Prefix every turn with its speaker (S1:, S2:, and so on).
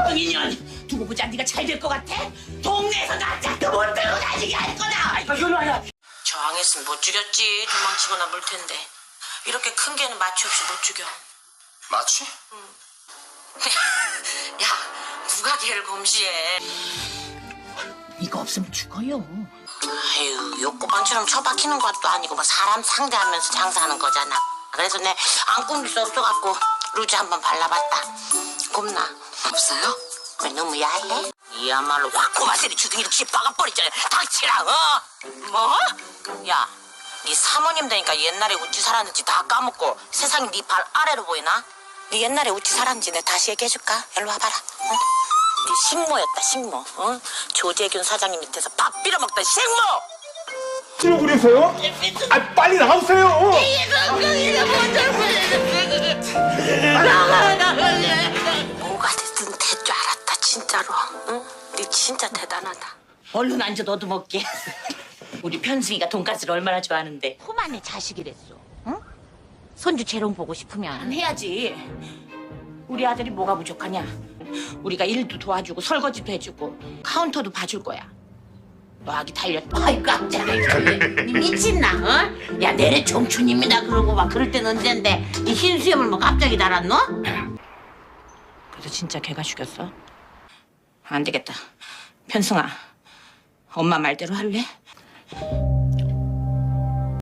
S1: 인연 두고 보자. 네가 잘 될 것 같아? 동네에서 낯짝도 못 들고 다니게 할 거다.
S2: 이리 와야.
S3: 저항했으면 못 죽였지. 도망치거나 물 텐데. 이렇게 큰 개는 마취 없이 못 죽여.
S2: 마취?
S3: 야, 누가 개를 검시해.
S1: 이거 없으면 죽어요.
S3: 아유, 욕구방처럼 처박히는 것도 아니고 뭐 사람 상대하면서 장사하는 거잖아. 그래서 내 안 끊길 수 없어갖고 루즈 한번 발라봤다. 곱나? 없어요? 왜 너무 야해? 이야말로 확 고마세리 주둥이를 쥐박아버리잖아. 닥치라, 뭐? 야, 네 사모님 되니까 옛날에 우찌 살았는지 다 까먹고 세상이 네 발 아래로 보이나? 네 옛날에 우찌 살았는지 내가 다시 얘기해줄까? 일로 와봐라. 응? 네 식모였다, 식모. 응? 조재균 사장님 밑에서 밥 빌어먹던 식모!
S2: 찌르고 그러세요? 아, 빨리 나오세요.
S3: 뭐가 됐든 될 줄 알았다, 진짜로. 응? 네 진짜 대단하다.
S1: 얼른 앉아 너도 먹게. 우리 편승이가 돈가스를 얼마나 좋아하는데.
S3: 포만의 자식이랬어. 응? 손주 재롱 보고 싶으면
S1: 해야지. 우리 아들이 뭐가 부족하냐? 우리가 일도 도와주고 설거지도 해주고 카운터도 봐줄 거야. 너 아기 달렸다.
S4: 아이 깜짝이야. 니 미친나? 어? 야 내래 청춘입니다 그러고 막 그럴 땐 언젠데 이 흰수염을 뭐 갑자기 달았노?
S1: 그래서 진짜 걔가 죽였어? 안 되겠다. 편승아, 엄마 말대로 할래?